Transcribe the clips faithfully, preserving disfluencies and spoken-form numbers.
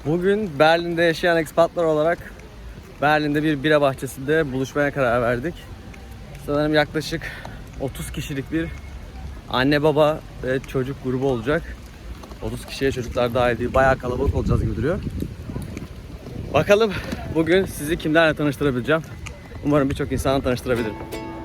Bugün Berlin'de yaşayan ekspatlar olarak Berlin'de bir bira bahçesinde buluşmaya karar verdik. Sanırım yaklaşık otuz kişilik bir anne baba ve çocuk grubu olacak. otuz kişiye çocuklar dahil değil. Bayağı kalabalık olacağız gibi duruyor. Bakalım bugün sizi kimlerle tanıştırabileceğim. Umarım birçok insanla tanıştırabilirim.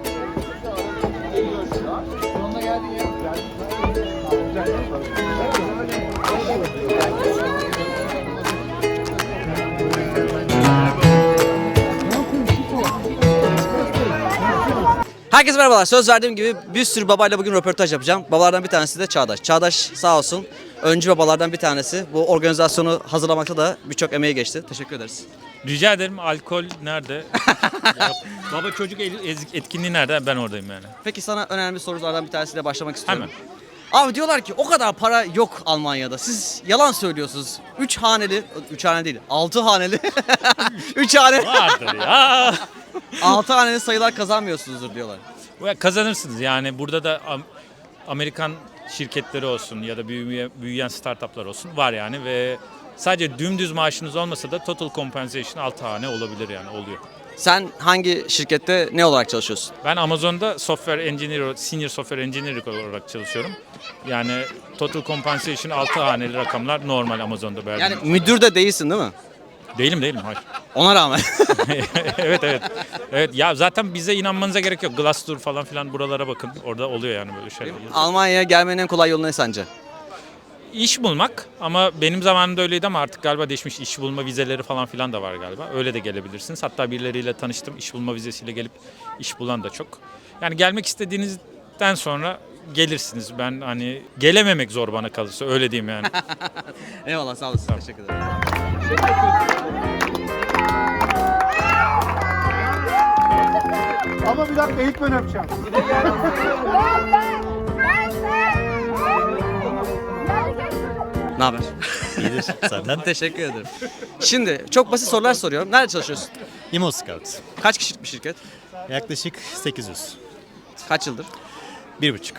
Herkese merhabalar. Söz verdiğim gibi bir sürü babayla bugün röportaj yapacağım. Babalardan bir tanesi de Çağdaş. Çağdaş sağ olsun öncü babalardan bir tanesi. Bu organizasyonu hazırlamakta da birçok emeği geçti. Teşekkür ederiz. Rica ederim. Alkol nerede? Ya, baba çocuk etkinliği nerede? Ben oradayım yani. Peki sana önemli sorulardan bir tanesiyle başlamak istiyorum. Hemen. Abi diyorlar ki o kadar para yok Almanya'da. Siz yalan söylüyorsunuz. Üç haneli, üç haneli değil, altı haneli. Üç haneli. Vardır ya. Altı haneli sayılar kazanmıyorsunuzdur diyorlar. Kazanırsınız yani burada da Amerikan şirketleri olsun ya da büyüyen, büyüyen startuplar olsun var yani ve sadece dümdüz maaşınız olmasa da total compensation altı hane olabilir yani oluyor. Sen hangi şirkette ne olarak çalışıyorsun? Ben Amazon'da software engineer, senior software engineer olarak çalışıyorum. Yani total compensation altı haneli rakamlar normal Amazon'da. Berlin'de. Yani müdür de değilsin değil mi? Değilim değilim hayır. Ona rağmen. evet evet. Evet ya zaten bize inanmanıza gerek yok. Glassdoor falan filan buralara bakın. Orada oluyor yani böyle şeyler. Almanya'ya gelmenin en kolay yolu ne sence? İş bulmak ama benim zamanımda öyleydi ama artık galiba değişmiş. İş bulma vizeleri falan filan da var galiba. Öyle de gelebilirsiniz. Hatta birileriyle tanıştım. İş bulma vizesiyle gelip iş bulan da çok. Yani gelmek istediğinizden sonra gelirsiniz. Ben hani gelememek zor bana kalırsa öyle diyeyim yani. Eyvallah sağ olasın. Tamam. Teşekkür ederim. Ama bir dakika ilk ben öpeceğim. Ne haber? İyidir senden. Teşekkür ederim. Şimdi çok basit sorular soruyorum. Nerede çalışıyorsun? Imo Scout. Kaç kişilik bir şirket? Yaklaşık sekiz yüz. Kaç yıldır? Bir buçuk.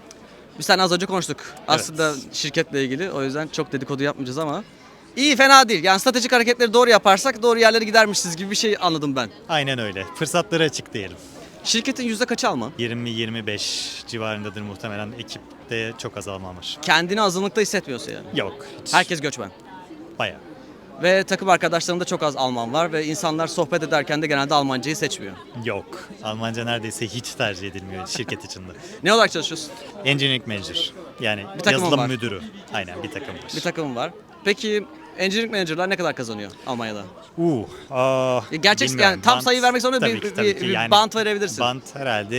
Biz seninle az önce konuştuk. Aslında şirketle ilgili. O yüzden çok dedikodu yapmayacağız ama iyi fena değil. Yani stratejik hareketleri doğru yaparsak doğru yerlere gidermişiz gibi bir şey anladım ben. Aynen öyle. Fırsatları açık diyelim. Şirketin yüzde kaçı Alman? yirmi yirmi beş civarındadır muhtemelen. Ekipte çok az Alman var. Kendini azınlıkta hissetmiyorsa yani. Yok. Hiç. Herkes göçmen. Bayağı. Ve takım arkadaşlarımda çok az Alman var ve insanlar sohbet ederken de genelde Almancayı seçmiyor. Yok. Almanca neredeyse hiç tercih edilmiyor şirket içinde. Ne olarak çalışıyorsun? Engineering Manager. Yani Bir takımın yazılım var. müdürü. Aynen bir takım var. Bir takım var. Peki engineering manager'lar ne kadar kazanıyor Almanya'da? Uh, aa, Ya gerçek bilmiyorum. yani tam Bant- sayı vermek zorunda tabii bir, ki, bir, tabii bir, ki. bir Yani bant verebilirsin. Bant herhalde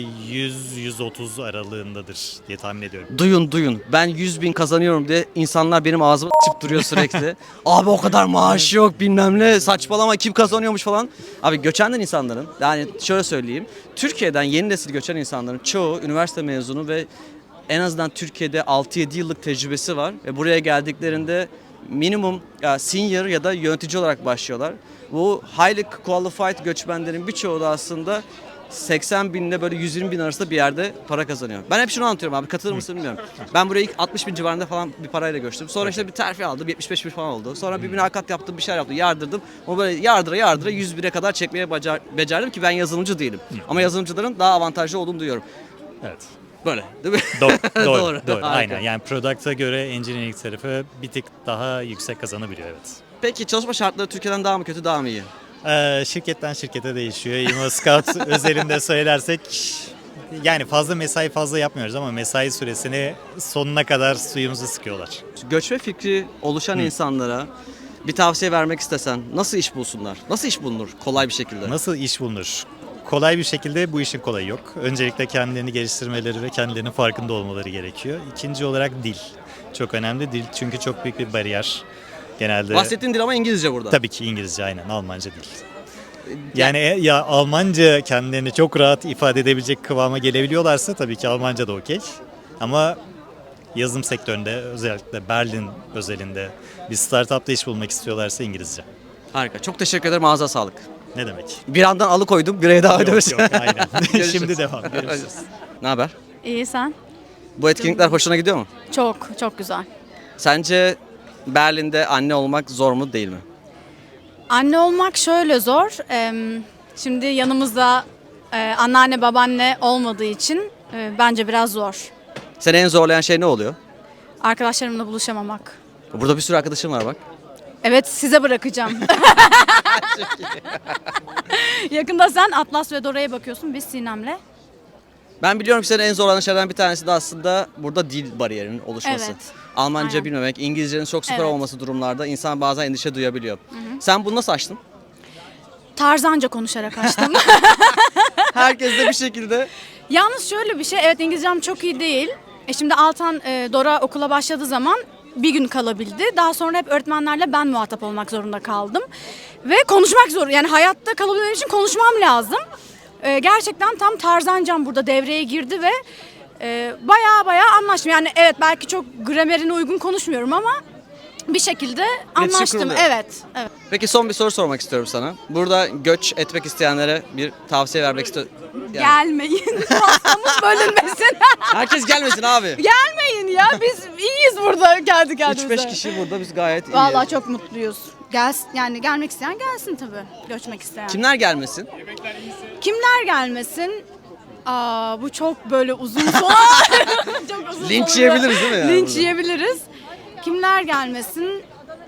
yüz yüz otuz aralığındadır diye tahmin ediyorum. Duyun duyun. Ben yüz bin kazanıyorum diye insanlar benim ağzıma s**p duruyor sürekli. Abi o kadar maaş yok bilmem ne saçmalama kim kazanıyormuş falan. Abi göçenden insanların yani şöyle söyleyeyim. Türkiye'den yeni nesil göçen insanların çoğu üniversite mezunu ve en azından Türkiye'de altı yedi yıllık tecrübesi var. Ve buraya geldiklerinde minimum ya senior ya da yönetici olarak başlıyorlar. Bu highly qualified göçmenlerin birçoğu da aslında seksen binle böyle yüz yirmi bin arasında bir yerde para kazanıyor. Ben hep şunu anlatıyorum abi katılır mısın bilmiyorum. Ben buraya ilk altmış bin civarında falan bir parayla göçtüm. Sonra işte bir terfi aldım yetmiş beş bin falan oldu. Sonra bir mülakat yaptım bir şeyler yaptım yardırdım. O böyle yardıra yardıra yüz bine kadar çekmeye becer, becerdim ki ben yazılımcı değilim. Ama yazılımcıların daha avantajlı olduğunu duyuyorum. Evet. Böyle değil mi? Doğru, doğru, Doğru. doğru. Harika. Aynen. Yani product'a göre engineering tarafı bir tık daha yüksek kazanabiliyor, evet. Peki çalışma şartları Türkiye'den daha mı kötü daha mı iyi? Ee, şirketten şirkete değişiyor. Imo Scout özelinde söylersek yani fazla mesai fazla yapmıyoruz ama mesai süresini sonuna kadar suyumuzu sıkıyorlar. Göçme fikri oluşan insanlara bir tavsiye vermek istesen nasıl iş bulsunlar? Nasıl iş bulunur kolay bir şekilde? Nasıl iş bulunur? Kolay bir şekilde bu işin kolayı yok. Öncelikle kendilerini geliştirmeleri ve kendilerinin farkında olmaları gerekiyor. İkinci olarak dil. Çok önemli dil çünkü çok büyük bir bariyer. Genelde Bahsettiğin dil ama İngilizce burada. tabii ki İngilizce aynen, Almanca değil. Yani e- ya Almanca kendilerini çok rahat ifade edebilecek kıvama gelebiliyorlarsa tabii ki Almanca da okey. Ama yazılım sektöründe özellikle Berlin özelinde bir startupta iş bulmak istiyorlarsa İngilizce. Harika. Çok teşekkür ederim. Ağza sağlık. Ne demek? Bir andan alıkoydum. Bireye devam Yok ediyoruz. yok aynen. Görüşürüz. Şimdi devam. Görüşürüz. Ne haber? İyi sen? Bu etkinlikler hoşuna gidiyor mu? Çok çok güzel. Sence Berlin'de anne olmak zor mu değil mi? Anne olmak şöyle zor. Em, Şimdi yanımızda e, anneanne babaanne olmadığı için e, bence biraz zor. Seni en zorlayan şey ne oluyor? Arkadaşlarımla buluşamamak. Burada bir sürü arkadaşım var bak. Evet, size bırakacağım. Yakında sen Atlas ve Dora'ya bakıyorsun, biz Sinem'le. Ben biliyorum ki senin en zorlanan şeylerden bir tanesi de aslında burada dil bariyerinin oluşması. Evet. Almanca Aynen. bilmemek, İngilizcenin çok süper Evet. olması durumlarda insan bazen endişe duyabiliyor. Sen bunu nasıl aştın? Tarzanca konuşarak açtım. Herkes de bir şekilde. Yalnız şöyle bir şey, evet İngilizcem çok iyi değil. E şimdi Altan, e, Dora okula başladığı zaman bir gün kalabildi. Daha sonra hep öğretmenlerle ben muhatap olmak zorunda kaldım. Ve konuşmak zor. Yani hayatta kalabilmem için konuşmam lazım. E, gerçekten tam Tarzancam burada devreye girdi ve e, baya baya anlaştım. Yani evet belki çok gramerine uygun konuşmuyorum ama bir şekilde anlaştım. kuruluyor. Evet, evet. Peki son bir soru sormak istiyorum sana. Burada göç etmek isteyenlere bir tavsiye vermek istiyorum. Yani Gelmeyin. Pastamız bölünmesin. herkes gelmesin abi. Gelmeyin ya. Biz iyiyiz burada kendi kendimize. üç beş kişi burada biz gayet iyiyiz. Vallahi çok mutluyuz. Gel, yani gelmek isteyen gelsin tabii. Göçmek isteyen. Kimler gelmesin? Kimler gelmesin? Aa, bu çok böyle uzun soru. Çok uzun Linç soru. yiyebiliriz değil mi yani Linç burada? yiyebiliriz. Kimler gelmesin?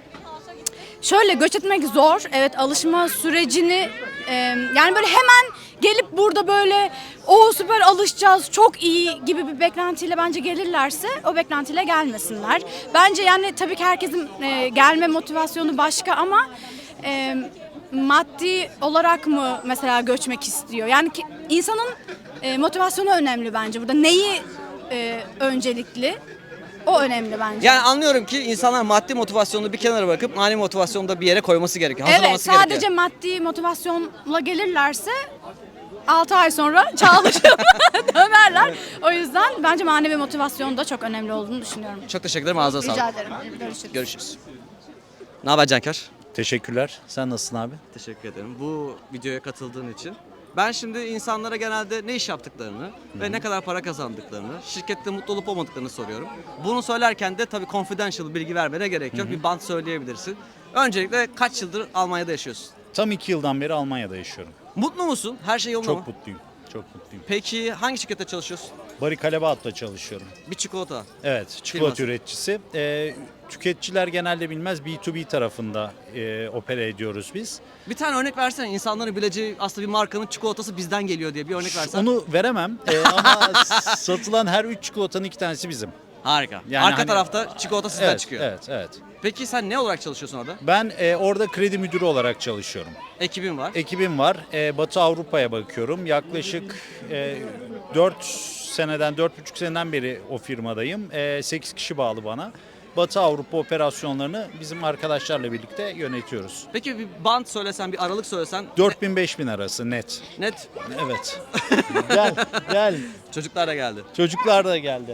Şöyle göç etmek zor. Evet alışma sürecini e, yani böyle hemen gelip burada böyle o süper alışacağız çok iyi gibi bir beklentiyle bence gelirlerse o beklentiyle gelmesinler. Bence yani tabii ki herkesin e, gelme motivasyonu başka ama e, maddi olarak mı mesela göçmek istiyor? Yani ki, insanın e, motivasyonu önemli bence burada. Neyi e, öncelikli? O önemli bence. Yani anlıyorum ki insanlar maddi motivasyonunu bir kenara bırakıp manevi motivasyonu da bir yere koyması gerekiyor. Evet, Hazırlaması sadece gerekiyor. maddi motivasyonla gelirlerse altı ay sonra çalışıp dönerler. O yüzden bence manevi motivasyon da çok önemli olduğunu düşünüyorum. Çok teşekkür ederim. Ağzına Rica sağlık. ederim. Görüşürüz. Görüşürüz. Ne haber Cankar? Teşekkürler. Sen nasılsın abi? Teşekkür ederim bu videoya katıldığın için. Ben şimdi insanlara genelde ne iş yaptıklarını ve ne kadar para kazandıklarını, şirkette mutlu olup olmadıklarını soruyorum. Bunu söylerken de tabii confidential bilgi vermene gerek yok. Bir bant söyleyebilirsin. Öncelikle kaç yıldır Almanya'da yaşıyorsun? Tam iki yıldan beri Almanya'da yaşıyorum. Mutlu musun? Her şey yolunda Çok mı? mutluyum. Çok mutluyum. Peki hangi şirkette çalışıyorsun? Bari Kalebaat'ta çalışıyorum. Bir çikolata. Evet, çikolata Firması. üreticisi. Ee, tüketiciler genelde bilmez, B to B tarafında e, opera ediyoruz biz. Bir tane örnek versene. İnsanların bileceği aslında bir markanın çikolatası bizden geliyor diye bir örnek versen. Onu veremem Ee, ama satılan her üç çikolatanın iki tanesi bizim. Harika. Yani Arka hani- tarafta çikolata sizden Evet, çıkıyor. evet, evet. Peki sen ne olarak çalışıyorsun orada? Ben e, orada kredi müdürü olarak çalışıyorum. Ekibin var. Ekibim var. Ee, Batı Avrupa'ya bakıyorum. Yaklaşık e, dört seneden, dört buçuk seneden beri o firmadayım. E, sekiz kişi bağlı bana. Batı Avrupa operasyonlarını bizim arkadaşlarla birlikte yönetiyoruz. Peki bir band söylesen, bir aralık söylesen. dört bin beş bin arası net. Net. Evet. Gel, gel. Çocuklar da geldi. Çocuklar da geldi.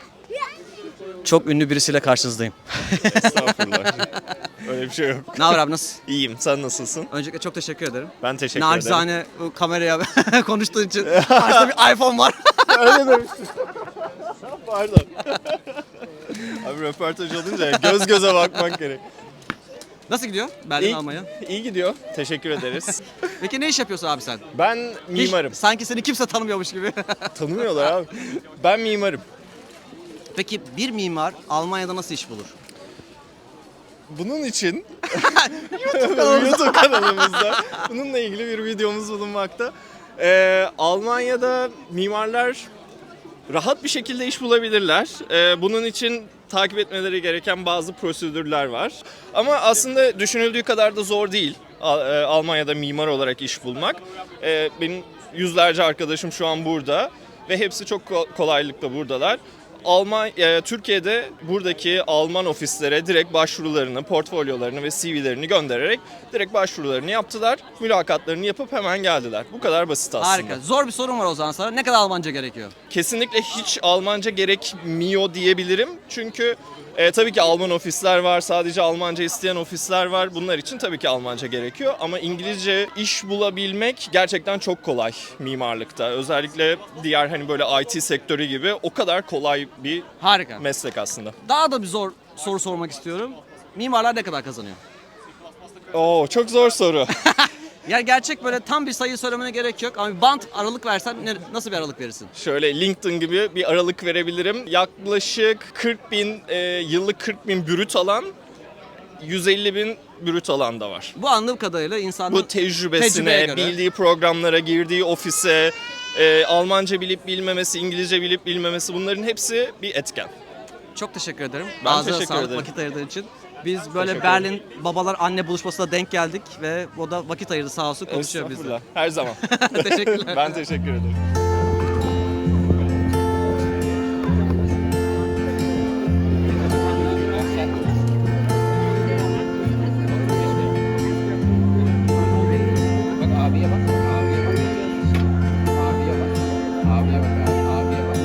Çok ünlü birisiyle karşınızdayım. Estağfurullah. Öyle bir şey yok. Ne haber abi, nasılsın? İyiyim. Sen nasılsın? Öncelikle çok teşekkür ederim. Ben teşekkür ederim. Nacizane bu kameraya konuştuğun için. Karşıda bir iPhone var. Öyle demiştim. Pardon. Abi röportaj olunca göz göze bakmak gerek. Nasıl gidiyor Berlin, İyi, Almanya? iyi gidiyor. Teşekkür ederiz. Peki ne iş yapıyorsun abi sen? Ben Hiç- mimarım. sanki seni kimse tanımıyormuş gibi. Tanımıyorlar abi. Ben mimarım. Peki bir mimar Almanya'da nasıl iş bulur? Bunun için YouTube kanalımızda bununla ilgili bir videomuz bulunmakta. Ee, Almanya'da mimarlar rahat bir şekilde iş bulabilirler. Ee, bunun için takip etmeleri gereken bazı prosedürler var. Ama aslında düşünüldüğü kadar da zor değil Al- e, Almanya'da mimar olarak iş bulmak. Ee, benim yüzlerce arkadaşım şu an burada ve hepsi çok ko- kolaylıkla buradalar. Alman, e, Türkiye'de buradaki Alman ofislere direkt başvurularını, portfolyolarını ve C V'lerini göndererek direkt başvurularını yaptılar. Mülakatlarını yapıp hemen geldiler. Bu kadar basit aslında. Harika. Zor bir sorum var o zaman sana. Ne kadar Almanca gerekiyor? Kesinlikle hiç Almanca gerekmiyor diyebilirim. Çünkü e, tabii ki Alman ofisler var, sadece Almanca isteyen ofisler var. Bunlar için tabii ki Almanca gerekiyor. Ama İngilizce iş bulabilmek gerçekten çok kolay mimarlıkta. Özellikle diğer hani böyle I T sektörü gibi o kadar kolay bir Harika. meslek aslında. Daha da bir zor soru sormak istiyorum. mimarlar ne kadar kazanıyor? Oo, çok zor soru. Ya gerçek böyle tam bir sayı söylemene gerek yok ama bir bant aralık versen ne, nasıl bir aralık verirsin? Şöyle LinkedIn gibi bir aralık verebilirim. Yaklaşık kırk bin, e, yıllık kırk bin brüt alan, yüz elli bin brüt alan da var. Bu anladığım kadarıyla insanın Bu tecrübesine, tecrübeye göre. bildiği programlara, girdiği ofise, e, Almanca bilip bilmemesi, İngilizce bilip bilmemesi, bunların hepsi bir etken. Çok teşekkür ederim. Ben Ağzına teşekkür sağlık ederim. vakit ayırdığın için. Biz böyle Teşekkür Berlin babalar anne buluşmasına denk geldik ve o da vakit ayırdı sağ olsun konuşuyor bizle. Estağfurullah, her zaman. Teşekkürler. Ben teşekkür ederim. Bak abiye bak. Abiye bak. Abiye bak. Abiye bak. Abiye bak.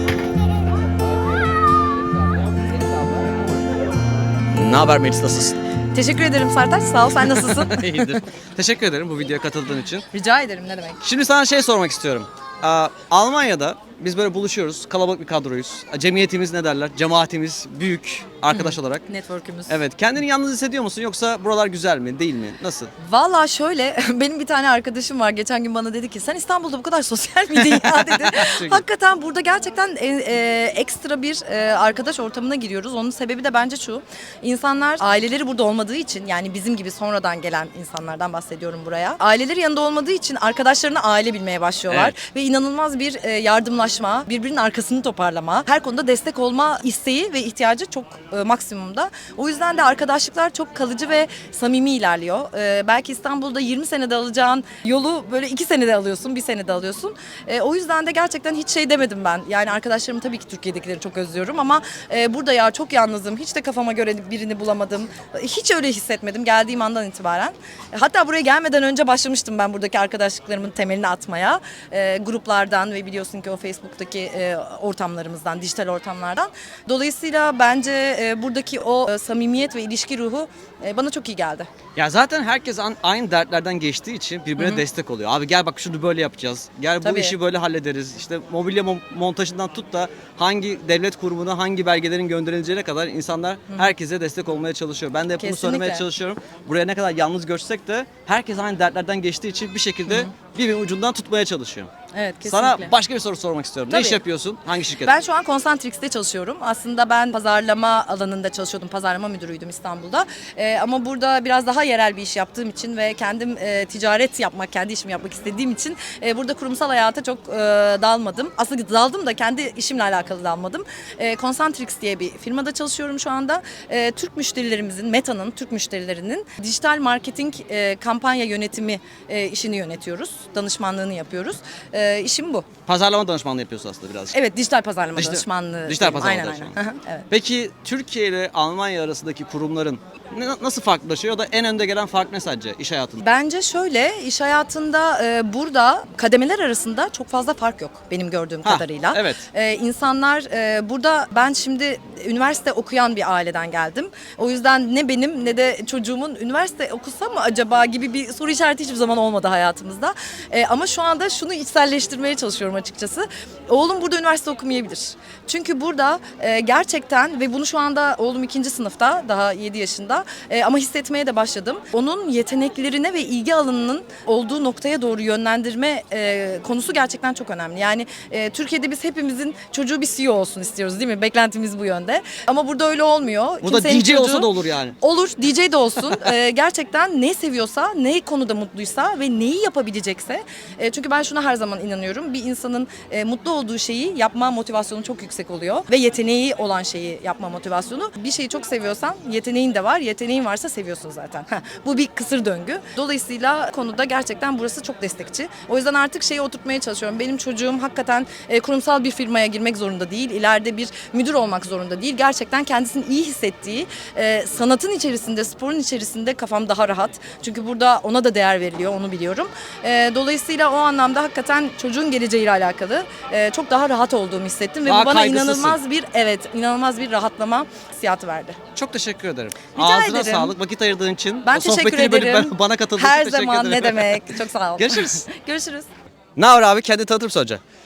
Ne haber Melis, nasılsın? Teşekkür ederim Sertaç. Sağ ol. Sen nasılsın? İyidir. Teşekkür ederim bu videoya katıldığın için. Rica ederim. Ne demek? Şimdi sana şey sormak istiyorum. Aa, Almanya'da biz böyle buluşuyoruz. Kalabalık bir kadroyuz. Cemiyetimiz ne derler? Cemaatimiz büyük arkadaş olarak. Network'ümüz. Evet. Kendini yalnız hissediyor musun yoksa buralar güzel mi, değil mi? Nasıl? Valla şöyle, benim bir tane arkadaşım var. Geçen gün bana dedi ki sen İstanbul'da bu kadar sosyal miydin ya dedi. Hakikaten burada gerçekten e, e, ekstra bir e, arkadaş ortamına giriyoruz. Onun sebebi de bence şu. İnsanlar aileleri burada olmadığı için, yani bizim gibi sonradan gelen insanlardan bahsediyorum buraya. Aileleri yanında olmadığı için arkadaşlarını aile bilmeye başlıyorlar. Evet. Ve inanılmaz bir e, yardımlaşma, birbirinin arkasını toparlama, her konuda destek olma isteği ve ihtiyacı çok e, maksimumda. O yüzden de arkadaşlıklar çok kalıcı ve samimi ilerliyor. E, belki İstanbul'da yirmi senede alacağın yolu böyle iki senede alıyorsun, bir senede alıyorsun. E, o yüzden de gerçekten hiç şey demedim ben. Yani arkadaşlarımı tabii ki Türkiye'dekileri çok özlüyorum ama e, burada ya çok yalnızım, hiç de kafama göre birini bulamadım. Hiç öyle hissetmedim geldiğim andan itibaren. E, hatta buraya gelmeden önce başlamıştım ben buradaki arkadaşlıklarımın temelini atmaya. E, gruplardan ve biliyorsun ki o Facebook'taki e, ortamlarımızdan, dijital ortamlardan. Dolayısıyla bence e, buradaki o e, samimiyet ve ilişki ruhu e, bana çok iyi geldi. Ya zaten herkes an- aynı dertlerden geçtiği için birbirine destek oluyor. Abi gel bak şunu böyle yapacağız. Gel bu Tabii. işi böyle hallederiz. İşte mobilya mon- montajından tut da hangi devlet kurumuna hangi belgelerin gönderileceğine kadar insanlar herkese destek olmaya çalışıyor. Ben de hep bunu Kesinlikle. söylemeye çalışıyorum. Buraya ne kadar yalnız görsek de herkes aynı dertlerden geçtiği için bir şekilde birbirinin ucundan tutmaya çalışıyor. Evet, kesinlikle. Sana başka bir soru sormak istiyorum. Ne Tabii. iş yapıyorsun? Hangi şirket? Ben şu an Concentrix'te çalışıyorum. Aslında ben pazarlama alanında çalışıyordum. Pazarlama müdürüydüm İstanbul'da. Ee, ama burada biraz daha yerel bir iş yaptığım için ve kendim e, ticaret yapmak, kendi işimi yapmak istediğim için e, burada kurumsal hayata çok e, dalmadım. Aslında daldım da kendi işimle alakalı dalmadım. E, Concentrix diye bir firmada çalışıyorum şu anda. E, Türk müşterilerimizin, Meta'nın, Türk müşterilerinin dijital marketing e, kampanya yönetimi e, işini yönetiyoruz. Danışmanlığını yapıyoruz. E, işim bu. Pazarlama danışmanlığı yapıyorsun aslında birazcık. Evet, dijital pazarlama Dijital- danışmanlığı. dijital diyelim. pazarlama aynen, danışmanlığı. Aynen. Hı hı, evet. Peki Türkiye ile Almanya arasındaki kurumların ne- nasıl farklılaşıyor? O da en önde gelen fark ne sence iş hayatında? Bence şöyle, iş hayatında e, burada kademeler arasında çok fazla fark yok benim gördüğüm Ha, kadarıyla. evet. E, insanlar e, burada, ben şimdi üniversite okuyan bir aileden geldim. O yüzden ne benim ne de çocuğumun üniversite okusa mı acaba gibi bir soru işareti hiçbir zaman olmadı hayatımızda. E, ama şu anda şunu içselleştirmeye çalışıyorum açıkçası. Oğlum burada üniversite okumayabilir. Çünkü burada e, gerçekten, ve bunu şu anda oğlum ikinci sınıfta, daha yedi yaşında e, ama hissetmeye de başladım. Onun yeteneklerine ve ilgi alanının olduğu noktaya doğru yönlendirme e, konusu gerçekten çok önemli. Yani e, Türkiye'de biz hepimizin çocuğu bir C E O olsun istiyoruz değil mi? Beklentimiz bu yönde. Ama burada öyle olmuyor. Burada Kimsenin D J olsa çocuğu- da olur yani. Olur, D J de olsun. Ee, gerçekten ne seviyorsa, ne konuda mutluysa ve neyi yapabilecekse. E, çünkü ben şuna her zaman inanıyorum. Bir insanın e, mutlu olduğu şeyi yapma motivasyonu çok yüksek oluyor. Ve yeteneği olan şeyi yapma motivasyonu. Bir şeyi çok seviyorsan yeteneğin de var. Yeteneğin varsa seviyorsun zaten. Heh, bu bir kısır döngü. Dolayısıyla konuda gerçekten burası çok destekçi. O yüzden artık şeyi oturtmaya çalışıyorum. Benim çocuğum hakikaten e, kurumsal bir firmaya girmek zorunda değil. İleride bir müdür olmak zorunda değil. Gerçekten kendisini iyi hissettiği, e, sanatın içerisinde, sporun içerisinde kafam daha rahat. Çünkü burada ona da değer veriliyor, onu biliyorum. E, dolayısıyla o anlamda hakikaten çocuğun geleceğiyle alakalı e, çok daha rahat olduğumu hissettim. Ve Daha bu bana kaygısızsın. inanılmaz bir, evet, inanılmaz bir rahatlama hissiyatı verdi. Çok teşekkür ederim. Rica Ağzına ederim. sağlık, vakit ayırdığın için. Ben O teşekkür sohbetini bölüp ederim. ben- bana katıldığın Her için teşekkür zaman, ederim. ne demek. Çok sağ ol. Görüşürüz. Görüşürüz. Ne haber abi? Kendi tanıtır mısın önce?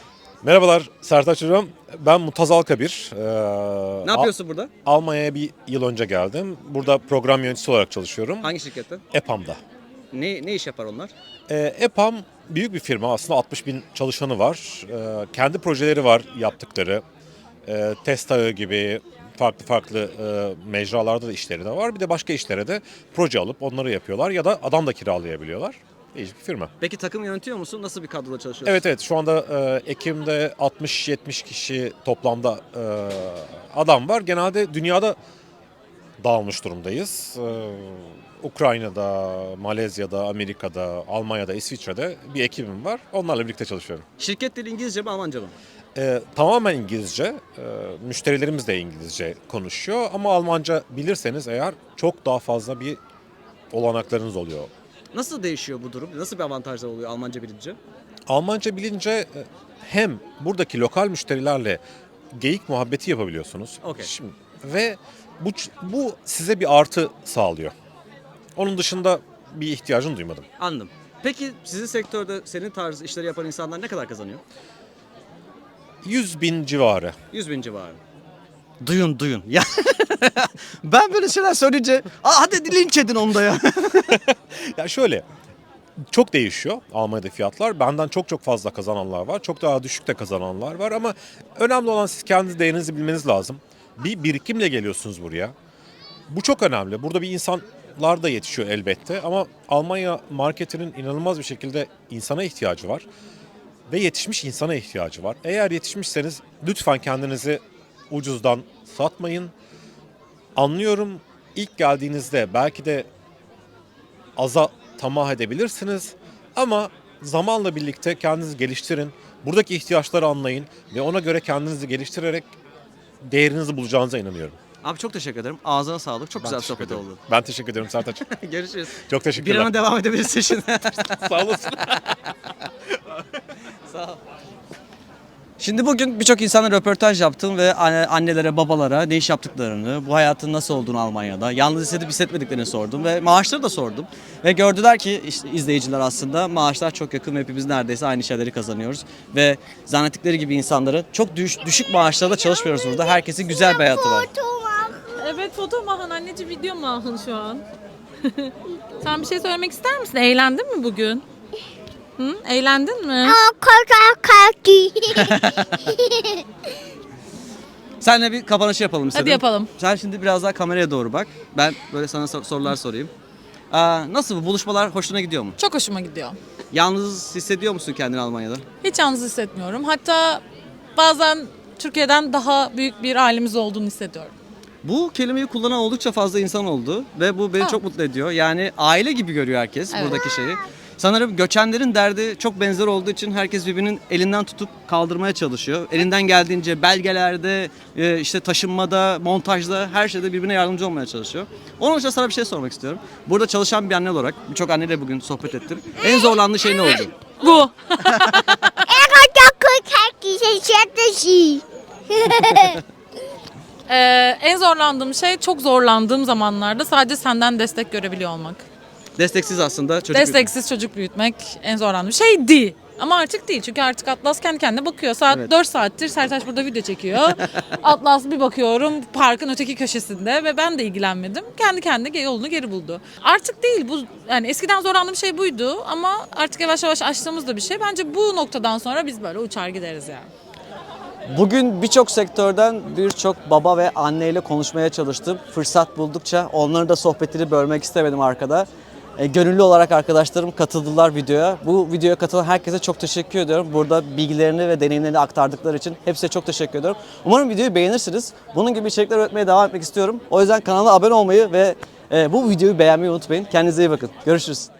Merhabalar Sertaç Hocam. Ben Mutazal Kabir. Ee, Ne yapıyorsun burada? Al- Almanya'ya bir yıl önce geldim. Burada program yöneticisi olarak çalışıyorum. Hangi şirkette? EPAM'da. Ne ne iş yapar onlar? Ee, EPAM büyük bir firma. Aslında altmış bin çalışanı var. Ee, kendi projeleri var yaptıkları. Ee, test ağı gibi farklı farklı e, mecralarda da işleri de var. Bir de başka işlere de proje alıp onları yapıyorlar ya da adam da kiralayabiliyorlar. Değişik bir firma. Peki takım yönetiyor musun? Nasıl bir kadroda çalışıyorsun? Evet evet şu anda e, Ekim'de altmış yetmiş kişi toplamda e, adam var. Genelde dünyada dağılmış durumdayız. E, Ukrayna'da, Malezya'da, Amerika'da, Almanya'da, İsviçre'de bir ekibim var. Onlarla birlikte çalışıyorum. Şirket dili İngilizce mi Almanca mı? E, tamamen İngilizce. E, müşterilerimiz de İngilizce konuşuyor. Ama Almanca bilirseniz eğer çok daha fazla bir olanaklarınız oluyor. Nasıl değişiyor bu durum? Nasıl bir avantajlar oluyor Almanca bilince? Almanca bilince e, hem buradaki lokal müşterilerle geyik muhabbeti yapabiliyorsunuz. Okey. Şimdi, ve bu bu size bir artı sağlıyor. Onun dışında bir ihtiyacını duymadım. Anladım. Peki sizin sektörde senin tarz işleri yapan insanlar ne kadar kazanıyor? yüz bin civarı. yüz bin civarı. Duyun duyun. Ya ben böyle şeyler söyleyince Aa, hadi linç edin onu da ya. Ya şöyle çok değişiyor Almanya'da fiyatlar. Benden çok çok fazla kazananlar var. Çok daha düşük de kazananlar var ama önemli olan siz kendi değerinizi bilmeniz lazım. Bir birikimle geliyorsunuz buraya. Bu çok önemli. Burada bir insanlar da yetişiyor elbette ama Almanya marketinin inanılmaz bir şekilde insana ihtiyacı var. Ve yetişmiş insana ihtiyacı var. Eğer yetişmişseniz lütfen kendinizi ucuzdan satmayın. Anlıyorum ilk geldiğinizde belki de aza tamah edebilirsiniz ama zamanla birlikte kendinizi geliştirin. Buradaki ihtiyaçları anlayın ve ona göre kendinizi geliştirerek değerinizi bulacağınıza inanıyorum. Abi çok teşekkür ederim. Ağzına sağlık. Çok Ben güzel teşekkür sohbet ederim. oldu. Ben teşekkür ederim Sertaç. Görüşürüz. Çok Bir teşekkürler. ana devam edebilirsin şimdi. Sağ olasın. Sağ ol. Şimdi bugün birçok insanla röportaj yaptım ve anne- annelere, babalara ne iş yaptıklarını, bu hayatın nasıl olduğunu Almanya'da, yalnız hissedip hissetmediklerini sordum ve maaşları da sordum. Ve gördüler ki işte izleyiciler aslında maaşlar çok yakın ve hepimiz neredeyse aynı şeyleri kazanıyoruz. Ve zannettikleri gibi insanların çok düş- düşük maaşlarla çalışmıyoruz burada. Herkesin güzel bir hayatı var. Evet foto mahın anneciğim video mahın şu an. Sen bir şey söylemek ister misin? Eğlendin mi bugün? Hı? Eğlendin mi? Seninle bir kapanış yapalım istedim. Hadi yapalım. Sen şimdi biraz daha kameraya doğru bak. Ben böyle sana sor- sorular sorayım. Aa, nasıl bu buluşmalar hoşuna gidiyor mu? Çok hoşuma gidiyor. Yalnız hissediyor musun kendini Almanya'da? Hiç yalnız hissetmiyorum. Hatta bazen Türkiye'den daha büyük bir ailemiz olduğunu hissediyorum. Bu kelimeyi kullanan oldukça fazla insan oldu ve bu beni Ha. çok mutlu ediyor. Yani aile gibi görüyor herkes Evet. buradaki şeyi. Sanırım göçenlerin derdi çok benzer olduğu için herkes birbirinin elinden tutup kaldırmaya çalışıyor. Elinden geldiğince belgelerde, e, işte taşınmada, montajda her şeyde birbirine yardımcı olmaya çalışıyor. Onun için sana bir şey sormak istiyorum. Burada çalışan bir anne olarak birçok anneyle bugün sohbet ettim. En zorlandığı şey ne oldu? Bu. Ee, en zorlandığım şey çok zorlandığım zamanlarda sadece senden destek görebiliyor olmak. Desteksiz aslında çocuk. Desteksiz çocuk büyütmek en zorlandığım şeydi. Ama artık değil çünkü artık Atlas kendi kendine bakıyor. Saat Evet. dört saattir Sertaç burada video çekiyor. Atlas bir bakıyorum parkın öteki köşesinde ve ben de ilgilenmedim. Kendi kendine yolunu geri buldu. Artık değil bu yani eskiden zorlandığım şey buydu ama artık yavaş yavaş açtığımız da bir şey. Bence bu noktadan sonra biz böyle uçar gideriz yani. Bugün birçok sektörden birçok baba ve anneyle konuşmaya çalıştım. Fırsat buldukça onların da sohbetini bölmek istemedim arkada. E, gönüllü olarak arkadaşlarım katıldılar videoya. Bu videoya katılan herkese çok teşekkür ediyorum. Burada bilgilerini ve deneyimlerini aktardıkları için hepsine çok teşekkür ediyorum. Umarım videoyu beğenirsiniz. Bunun gibi içerikler üretmeye devam etmek istiyorum. O yüzden kanala abone olmayı ve e, bu videoyu beğenmeyi unutmayın. Kendinize iyi bakın. Görüşürüz.